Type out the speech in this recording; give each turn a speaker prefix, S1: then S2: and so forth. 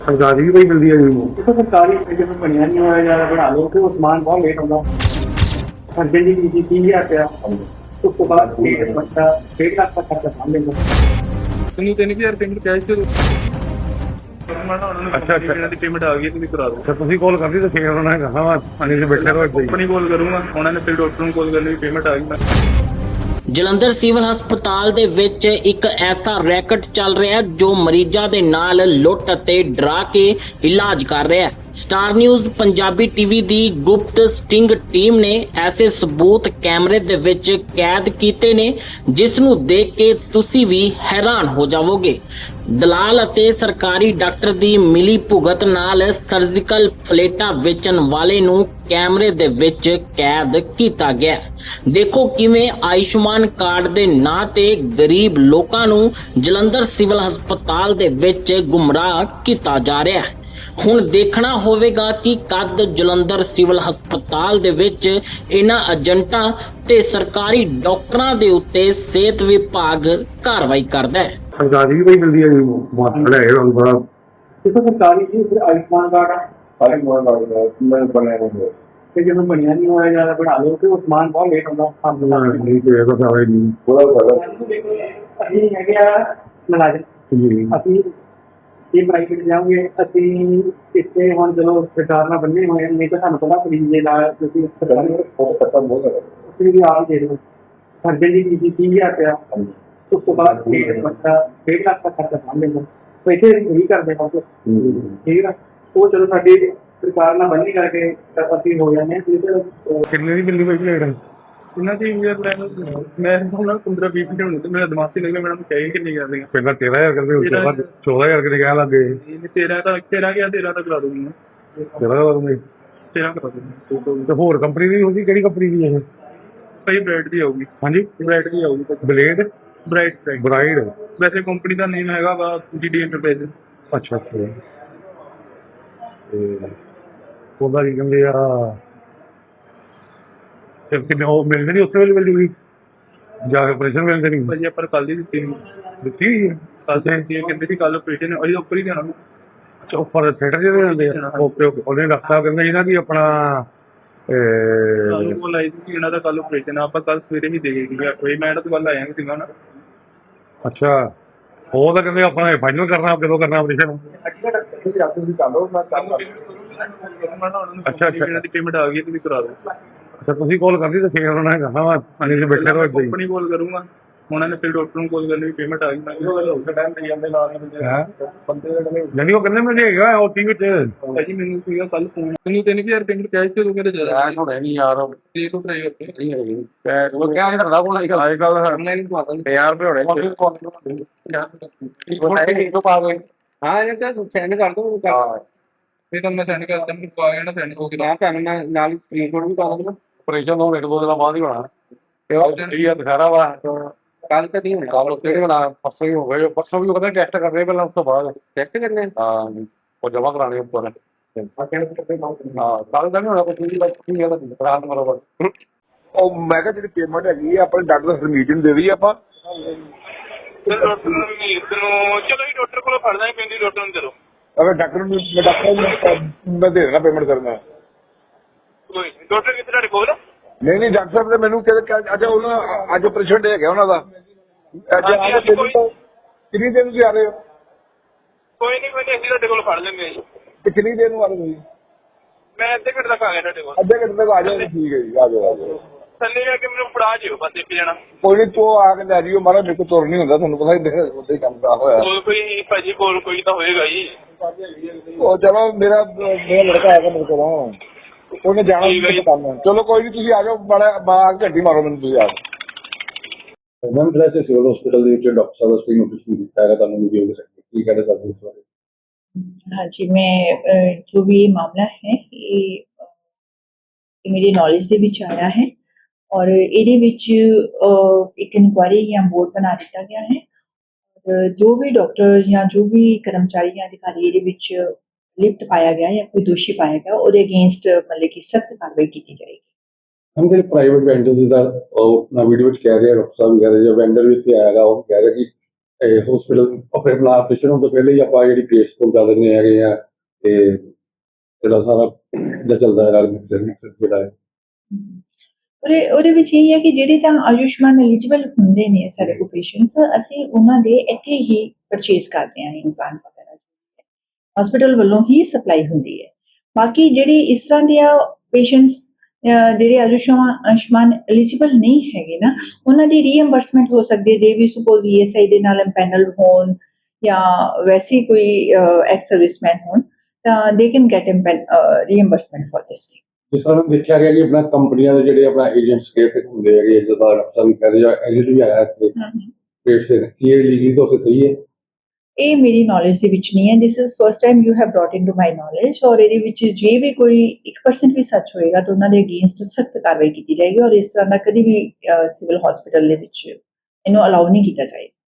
S1: सरकारी भी कोई मिलती है जी?
S2: देखो सरकारी जिसमें बढ़िया नहीं होया ज़्यादा बढ़ा लो तो सामान बहुत लेट होगा। अर्जेंट की चीज़ 30,000 रुपया तो उसके बाद डेढ़ बच्चा 1.5 लाख का खर्चा सामने लो।
S3: ਤੁਹਾਨੂੰ 3000 ਪੇਮੈਂਟ ਕੈਸ਼ ਦੇ ਦੋ।
S1: अच्छा अच्छा
S3: ਇਹਨਾਂ ਦੀ ਪੇਮੈਂਟ ਆ ਗਈ ਤੁਸੀਂ ਕਰਾ ਦਿਓ।
S1: अच्छा तुसी कॉल कर दी तो फिर उन्होंने कहा वा पानी से बैठे रहो इधर ही।
S3: ਕੰਪਨੀ ਕਾਲ ਕਰੂੰਗਾ ਉਹਨਾਂ ਨੇ ਫਿਰ ਡਾਕਟਰ ਨੂੰ ਕਾਲ ਕਰਨੀ ਪੇਮੈਂਟ ਆ ਗਈ।
S4: ਜਲੰਧਰ ਸਿਵਲ ਹਸਪਤਾਲ ਦੇ ਵਿੱਚ ਇੱਕ ਐਸਾ ਰੈਕਟ ਚੱਲ ਰਿਹਾ ਹੈ ਜੋ ਮਰੀਜ਼ਾਂ ਦੇ ਨਾਲ ਲੁੱਟ ਅਤੇ ਡਰਾ ਕੇ ਇਲਾਜ ਕਰ ਰਿਹਾ ਹੈ। ਸਟਾਰ ਨਿਊਜ਼ ਪੰਜਾਬੀ ਟੀਵੀ ਦੀ ਗੁਪਤ ਸਟਿੰਗ ਟੀਮ ਨੇ ਐਸੇ ਸਬੂਤ ਕੈਮਰੇ ਦੇ ਵਿੱਚ ਕੈਦ ਕੀਤੇ ਨੇ ਜਿਸ ਨੂੰ ਦੇਖ ਕੇ ਤੁਸੀਂ ਵੀ ਹੈਰਾਨ ਹੋ ਜਾਵੋਗੇ। ਦਲਾਲ ਅਤੇ ਸਰਕਾਰੀ ਡਾਕਟਰ ਦੀ ਮਿਲੀ ਭੁਗਤ ਨਾਲ ਸਰਜੀਕਲ ਪਲੇਟਾਂ ਵੇਚਣ ਵਾਲੇ ਨੂੰ ਕੈਮਰੇ ਦੇ ਵਿੱਚ ਕੈਦ ਕੀਤਾ ਗਿਆ। ਦੇਖੋ ਕਿਵੇਂ ਆਯੁਸ਼ਮਾਨ ਕਾਰਡ ਦੇ ਨਾਂ ਤੇ ਗਰੀਬ ਲੋਕਾਂ ਨੂੰ ਜਲੰਧਰ ਸਿਵਲ ਹਸਪਤਾਲ ਦੇ ਵਿੱਚ ਗੁੰਮਰਾਹ ਕੀਤਾ ਜਾ ਰਿਹਾ ਹੈ। ਹੁਣ ਦੇਖਣਾ ਹੋਵੇਗਾ ਕਿ ਕਦ ਜਲੰਧਰ ਸਿਵਲ ਹਸਪਤਾਲ ਦੇ ਵਿੱਚ ਇਹਨਾਂ ਏਜੰਟਾਂ ਤੇ ਸਰਕਾਰੀ ਡਾਕਟਰਾਂ ਦੇ ਉੱਤੇ ਸਿਹਤ ਵਿਭਾਗ ਕਾਰਵਾਈ ਕਰਦਾ ਹੈ।
S1: सरकारी भी कोई मिलती है जी? मास्टर है और बड़ा
S2: देखो सरकारी चीज़ फिर आयुष्मान कार्ड है जिसमें बढ़िया नहीं होया ज़्यादा बढ़ा लो तो सामान बहुत लेट होगा।
S1: नहीं तो ऐसा था ही नहीं
S2: ਅਸੀਂ ਹੈਗੇ ਆ ਮੁਲਾਜ਼ਮ
S1: जी
S2: ਅਸੀਂ ਇਹ ਪ੍ਰਾਈਵੇਟ ਜਾਓਗੇ ਅਸੀਂ ਇੱਥੇ ਹੁਣ ਚਲੋ ਸਰਕਾਰ ਨਾਲ ਬੰਨੇ ਹੋਏ ਹਾਂ, ਨਹੀਂ ਤਾਂ ਸਾਨੂੰ ਪਤਾ ਫਰੀ ਦੇ ਨਾਲ ਤੁਸੀਂ ਤੁਸੀਂ ਵੀ ਆਪ ਹੀ ਦੇ ਦਿਓ। ਸਰਜਨ ਦੀ ਚੀਜ਼ 30,000 रुपया ਉਸ ਤੋਂ ਬਾਅਦ ਡੇਢ ਬੱਚਾ 1.5 ਲੱਖ ਦਾ ਖਰਚਾ ਸਾਹਮਣੇ लो। पैसे नहीं करते बस ठीक है वो चलो साडी सरकार ਨਾਲ ਬੰਨੀ ਕਰਕੇ ਅਸੀਂ ਹੋ ਜਾਂਦੇ ਹਾਂ।
S1: कितने की मिलती भाई लेट
S3: ਇਹਨਾਂ ਦੀ ਯਾਰ ਮੈਂ ਹੁਣ 15-20 ਮਿੰਟ ਹੋਣੇ ਤੇ ਮੇਰਾ ਦਿਮਾਗ ਤੇ ਲੱਗਿਆ ਮੈਡਮ ਚਾਹੀਏ ਕਿੰਨੀ ਕਰ ਦੇਗਾ।
S1: पहला 13,000 करते उसके बाद 14,000 के कह लगे
S3: 13 ਗਿਆ 13 ਤੱਕ ਕਰਾ ਦੂੰਗੀ ਮੈਂ
S1: 13,000
S3: 13 ਕਰਾ ਦੂੰਗੀ।
S1: तो होर कंपनी दी होगी केड़ी कंपनी दी है?
S3: ਭਾਈ ਬ੍ਰਾਈਟ ਦੀ ਆਊਗੀ।
S1: हाँ जी
S3: ਬ੍ਰਾਈਟ ਦੀ ਆਊਗੀ
S1: ब्लेड
S3: ਬ੍ਰਾਈਟ
S1: ब्राइड
S3: ਵੈਸੇ ਕੰਪਨੀ ਦਾ ਨੇਮ ਹੈਗਾ ਵਾ GD ਐਂਟਰਪ੍ਰਾਈਜ਼।
S1: अच्छा अच्छा ਤੇ ਉਹਦਾ ਕੀ ਕਹਿੰਦੇ ਆ ਤੇ ਕਿੰਨੇ ਉਹ ਮਿਲਦੇ ਨਹੀਂ ਉਸੇ ਵੇਲੇ ਮਿਲ ਜੂਗੀ ਜਾ ਕੇ ਆਪਰੇਸ਼ਨ ਮਿਲਦੇ ਨਹੀਂ
S3: ਭਾਜੀ ਆਪਾਂ ਕੱਲ ਦੀ ਦਿੱਤੀ ਨਹੀਂ
S1: ਦਿੱਤੀ ਹੋਈ ਹੈ?
S3: ਕੱਲ ਤੇ ਕਹਿੰਦੇ ਸੀ ਕੱਲ ਆਪਰੇਸ਼ਨ ਅਸੀਂ ਉੱਪਰ ਹੀ ਜਾਣਾ।
S1: ਅੱਛਾ ਉੱਪਰ ਥੀਏਟਰ ਜਿਹਦੇ ਹੁੰਦੇ ਆ ਓਕੇ ਓਕੇ ਉਹਨੇ ਡਾਕਟਰ ਸਾਹਿਬ ਕਹਿੰਦੇ ਸੀ ਨਾ ਕਿ ਆਪਣਾ
S3: ਸਾਨੂੰ ਕੋਲ ਆਈ ਸੀ ਕਿ ਇਹਨਾਂ ਦਾ ਕੱਲ ਆਪਰੇਸ਼ਨ ਆ ਆਪਾਂ ਕੱਲ ਸਵੇਰੇ ਹੀ ਦੇ ਗਏ 8 ਵਜੇ ਮੈਂ ਤਾਂ ਕੱਲ ਆਇਆ ਨਹੀਂ ਸੀਗਾ ਨਾ।
S1: ਅੱਛਾ ਉਹ ਤਾਂ ਕਹਿੰਦੇ ਆਪਣਾ ਫਾਈਨਲ ਕਰਨਾ ਕਦੋਂ ਕਰਨਾ ਆਪਰੇਸ਼ਨ? ਅੱਛਾ ਅੱਛਾ
S3: ਇਹਨਾਂ ਦੀ ਪੇਮੈਂਟ ਆ ਗਈ ਤੁਸੀਂ ਕਰਾ ਦਿਓ।
S1: ਅੱਛਾ ਤੁਸੀਂ ਕਾਲ ਕਰਦੀ ਤਾਂ ਫਿਰ ਉਹਨਾਂ ਨੇ ਕਹਾ ਵਾ ਪਾਣੀ ਦੇ ਬੈਠੇ ਰਹੋ ਇੱਦਾਂ ਹੀ।
S3: ਕੰਪਨੀ ਕਾਲ ਕਰੂੰਗਾ ਉਹਨਾਂ ਨੇ ਫਿਰ ਡਾਕਟਰ ਨੂੰ ਕਾਲ ਕਰਨੀ ਪੇਮੈਂਟ ਆ ਗਈ। ਮੈਂ ਟਾਈਮ ਤੇ ਜਾਂਦੇ ਨਾਲ ਬੰਦੇ
S1: ਨਹੀਂ ਉਹ ਕਹਿੰਦੇ ਮੈਨੂੰ ਹੈਗਾ ਉਹ ਟੀਵੀ ਤੇ
S3: ਭਾਜੀ ਮੈਨੂੰ ਸੀਗਾ ਕੱਲ ਫੋਨ ਮੈਨੂੰ 3000 ਪੇਮੈਂਟ ਕੈਸ਼ ਤੇ ਦੋ ਮੇਰੇ ਜ਼ਿਆਦਾ
S1: ਹੋਣਾ ਨਹੀਂ ਯਾਰ
S3: ਦੇ ਤੋਂ ਟਰਾਈ ਕਰਕੇ
S1: ਨਹੀਂ ਹੈਗੀ ਉਹ ਕਿਹਾ ਕਰਦਾ ਕੋਲ ਅੱਜ ਕੱਲ ਆਨਲਾਈਨ ਪਾ ਦਿੰਦੇ 1000 ਰੁਪਏ ਹੋਣੇ ਇੱਕ ਪਾ ਦੇ ਹਾਂ ਇਹ ਤਾਂ ਸੈਂਡ ਕਰ ਦੋ
S3: ਫਿਰ ਤਾਂ ਮੈਂ ਸੈਂਡ ਕਰਦਾ ਮੈਨੂੰ ਪਾ ਗਿਆ ਨਾ ਸੈਂਡ ਹੋ ਗਿਆ।
S1: ਮੈਂ ਤੁਹਾਨੂੰ ਨਾਲ ਸਕਰੀਨਸ਼ਾਟ ਵੀ ਪਾ ਦਿੰਦਾ ਆਪਰੇਸ਼ਨ ਤੋਂ ਇੱਕ ਦੋ ਦਿਨਾਂ ਬਾਅਦ ਹੀ ਹੋਣਾ ਤੇ ਉਹ ਠੀਕ ਆ ਦਿਖਾ ਵਾ ਕੱਲ ਤਾਂ ਨਹੀਂ ਹੋਣਾ ਕੱਲ ਕਿਹੜੇ ਬਣਾ ਪਰਸੋਂ ਹੀ ਹੋ ਗਏ ਪਰਸੋਂ ਵੀ ਕਹਿੰਦਾ ਟੈਸਟ ਕਰਨੇ ਪਹਿਲਾਂ ਉਸ ਤੋਂ ਬਾਅਦ ਟੈਸਟ ਕਰਨੇ ਹਾਂ ਉਹ ਜਮਾ ਕਰਾਣੇ ਉੱਪਰ ਹਾਂ ਕੱਲ ਤਾਂ ਨਹੀਂ ਹੋਣਾ ਕੋਈ ਕੀ ਹੈ ਰਾਤ ਬਰੋਬਰ
S5: ਉਹ ਮੈਂ ਕਿਹਾ ਜਿਹੜੀ ਪੇਮੈਂਟ ਹੈਗੀ ਆ ਆਪਣੇ ਡਾਕਟਰ ਸਰਮੀਤ ਦੇ ਦਈਏ ਆਪਾਂ
S3: ਚਲੋ ਜੀ ਡਾਕਟਰ ਕੋਲ ਫੜਨਾ ਹੀ ਪੈਂਦੀ ਡਾਕਟਰ ਨੂੰ ਚਲੋ
S5: ਅਗਰ ਡਾਕਟਰ ਨੂੰ ਮੈਂ ਦੇ ਦੇਣਾ ਪੇਮੈਂਟ ਕਰਨਾ
S3: ਕੋਈ ਡਾਕਟਰ ਕਿੱਥੇ ਤੁਹਾਡੇ ਕੋਲ?
S5: ਨਹੀਂ ਡਾਕਟਰ ਸਾਹਿਬ ਨੇ ਮੈਨੂੰ ਕਹਿੰਦੇ ਅੱਛਾ ਉਹਨਾਂ ਅੱਜ ਆਪਰੇਸ਼ਨ ਡੇ ਹੈਗਾ ਉਹਨਾਂ ਦਾ ਅੱਜ ਕਿੰਨੀ ਦਿਨ ਤੁਸੀਂ ਆ ਰਹੇ ਹੋ?
S3: ਕੋਈ ਨਹੀਂ ਅਸੀਂ ਤੁਹਾਡੇ ਕੋਲ ਫੜ ਲੈਂਦੇ ਜੀ।
S5: ਤੇ ਕਿੰਨੀ ਦੇਰ ਨੂੰ ਆ ਰਹੇ ਤੁਸੀਂ?
S3: ਮੈਂ ਅੱਧੇ ਘੰਟੇ ਤੱਕ ਆ ਗਿਆ ਤੁਹਾਡੇ ਕੋਲ।
S5: ਅੱਧੇ ਘੰਟੇ ਤੱਕ ਆ ਜਾਓ ਠੀਕ ਹੈ ਜੀ ਆ ਜਾਓ
S3: ਥੱਲੇ ਜਾ ਕੇ ਮੈਨੂੰ ਫੜਾ ਜਿਓ ਬਸ ਇੱਕ ਜਣਾ।
S5: ਕੋਈ ਨਹੀਂ ਤੂੰ ਆ ਕੇ ਲੈ ਜਿਓ ਮਾਰਾ ਮੇਰੇ ਕੋਲ ਤੁਰ ਨਹੀਂ ਹੁੰਦਾ ਤੁਹਾਨੂੰ ਪਤਾ ਹੀ ਉੱਥੇ ਕੰਮ ਦਾ ਹੋਇਆ
S3: ਕੋਈ ਭਾਜੀ ਕੋਲ ਕੋਈ ਤਾਂ ਹੋਏਗਾ ਜੀ।
S5: ਉਹ ਚਲੋ ਮੇਰਾ ਲੜਕਾ ਆਏਗਾ ਮੇਰੇ ਕੋਲ ਉਹਨੇ ਜਾਣਾ ਕੰਮ ਚਲੋ ਕੋਈ ਨਹੀਂ ਤੁਸੀਂ ਆ ਜਾਓ ਬੜਾ ਘੰਟੀ ਮਾਰੋ ਮੈਨੂੰ ਤੁਸੀਂ ਆ ਜਾਓ।
S6: ਮੈਮ ਜਿਹੜਾ ਸਿਵਲ ਹਸਪੀਟਲ ਦੇ ਵਿੱਚ ਡਾਕਟਰ ਸਾਹਿਬ ਦਾ ਸਕਰੀਨ ਆਫਿਸ ਵੀ ਦਿੱਤਾ ਹੈਗਾ ਤੁਹਾਨੂੰ ਵੀਡੀਓ ਦੇ ਸਕਦੇ ਕੀ कहना चाहते हैं इस बारे?
S7: हाँ जी मैं जो भी ये मामला है ये मेरी नॉलेज ਦੇ ਵਿੱਚ ਆਇਆ ਹੈ ਔਰ ਇਹਦੇ ਵਿੱਚ ਇੱਕ ਇਨਕੁਆਇਰੀ ਜਾਂ ਬੋਰਡ ਬਣਾ ਦਿੱਤਾ ਗਿਆ ਹੈ ਔਰ ਜੋ ਵੀ ਡਾਕਟਰ ਜਾਂ ਜੋ ਵੀ ਕਰਮਚਾਰੀ ਜਾਂ ਅਧਿਕਾਰੀ ਇਹਦੇ ਵਿੱਚ ਲਿਪਟ ਪਾਇਆ ਗਿਆ ਜਾਂ ਕੋਈ ਦੋਸ਼ੀ ਪਾਇਆ ਗਿਆ ਉਹਦੇ ਅਗੇਂਸਟ ਮਤਲਬ ਕਿ ਸਖਤ ਕਾਰਵਾਈ ਕੀਤੀ ਜਾਏਗੀ।
S6: हम ਜਿਹੜੇ ਪ੍ਰਾਈਵੇਟ ਵੈਂਡਰਸ ਦਾ ਉਹ ਨਾ ਵੀਡੀਓ ਵਿੱਚ ਕਹਿ ਰਹੇ ਡਾਕਟਰ ਸਾਹਿਬ ਕਹਿ ਰਹੇ ਜੋ ਵੈਂਡਰ ਵੀ ਸੀ ਆਏਗਾ ਉਹ ਕਹਿ ਰਿਹਾ ਕਿ ਹਸਪੀਟਲ ਆਪਣੇ ਆਪਣਾ ਆਪਰੇਸ਼ਨ ਹੋਣ ਤੋਂ ਪਹਿਲੇ ਹੀ ਆਪਾਂ ਜਿਹੜੀ ਕੇਸ ਪਹੁੰਚਾ ਦਿੰਦੇ ਹੈਗੇ ਆ ਤੇ ਜਿਹੜਾ ਸਾਰਾ ਇਹਦਾ ਚੱਲਦਾ ਹੈਗਾ ਮਿਕਸਰ ਜਿਹੜਾ ਹੈ
S7: ਉਹਦੇ ਵਿੱਚ ਇਹ ਹੈ ਕਿ ਜਿਹੜੇ ਤਾਂ ਆਯੁਸ਼ਮਾਨ ਐਲੀਜੀਬਲ ਹੁੰਦੇ ਨੇ ਸਾਡੇ ਕੋਲ ਪੇਸ਼ੈਂਟਸ, ਅਸੀਂ ਉਹਨਾਂ ਦੇ ਇੱਥੇ ਹੀ ਪਰਚੇਸ ਕਰਦੇ ਹਾਂ ਇੰਪਲਾਂਟ ਵਗੈਰਾ, ਹਸਪੀਟਲ ਵੱਲੋਂ ਹੀ ਸਪਲਾਈ ਹੁੰਦੀ ਹੈ। ਬਾਕੀ ਜਿਹੜੇ ਇਸ ਤਰ੍ਹਾਂ ਦੇ ਪੇਸ਼ੈਂਟਸ ਜਿਹੜੇ ਆਯੁਸ਼ਮਾਨ ਐਲੀਜੀਬਲ ਨਹੀਂ ਹੈਗੇ ਨਾ, ਉਹਨਾਂ ਦੀ ਰੀਇੰਬਰਸਮੈਂਟ ਹੋ ਸਕਦੀ ਹੈ ਜੇ ਵੀ ਸਪੋਜ਼ ESI ਦੇ ਨਾਲ ਐਮਪੈਨਲ ਹੋਣ ਜਾਂ ਵੈਸੇ ਕੋਈ ਐਕਸ ਸਰਵਿਸਮੈਨ ਹੋਣ, ਤਾਂ they can get reimbursement for this thing.
S6: ਜਿਸ ਤਰ੍ਹਾਂ ਦੇਖਿਆ ਗਿਆ ਕਿ ਆਪਣਾ ਕੰਪਨੀਆਂ ਦੇ ਜਿਹੜੇ ਆਪਣਾ ਏਜੰਟਸ ਕੇ ਇੱਥੇ ਹੁੰਦੇ ਹੈਗੇ, ਜਿੱਦਾਂ ਡਾਕਟਰ ਵੀ ਕਹਿ ਰਹੇ ਜਾਂ ਏਜੰਟ ਵੀ ਆਇਆ ਇੱਥੇ ਪੇਟ ਸੇ, ਕੀ ਇਹ ਲੀਗਲੀ ਤੌਰ ਤੇ ਸਹੀ ਹੈ?
S7: ਇਹ ਮੇਰੀ ਨੌਲੇਜ ਦੇ ਵਿੱਚ ਨਹੀਂ ਹੈ। This is first time you have brought into my knowledge, ਔਰ ਇਹਦੇ ਵਿੱਚ ਜੇ ਵੀ ਕੋਈ 1% ਵੀ ਸੱਚ ਹੋਏਗਾ ਤਾਂ ਉਹਨਾਂ ਦੇ ਅਗੇਂਸਟ ਸਖਤ ਕਾਰਵਾਈ ਕੀਤੀ ਜਾਏਗੀ, ਔਰ ਇਸ ਤਰ੍ਹਾਂ ਦਾ ਕਦੀ ਵੀ ਸਿਵਲ ਹਸਪੀਟਲ ਦੇ ਵਿੱਚ ਇਹਨੂੰ ਅਲਾਉ ਨਹੀਂ ਕੀਤਾ ਜਾਏਗਾ।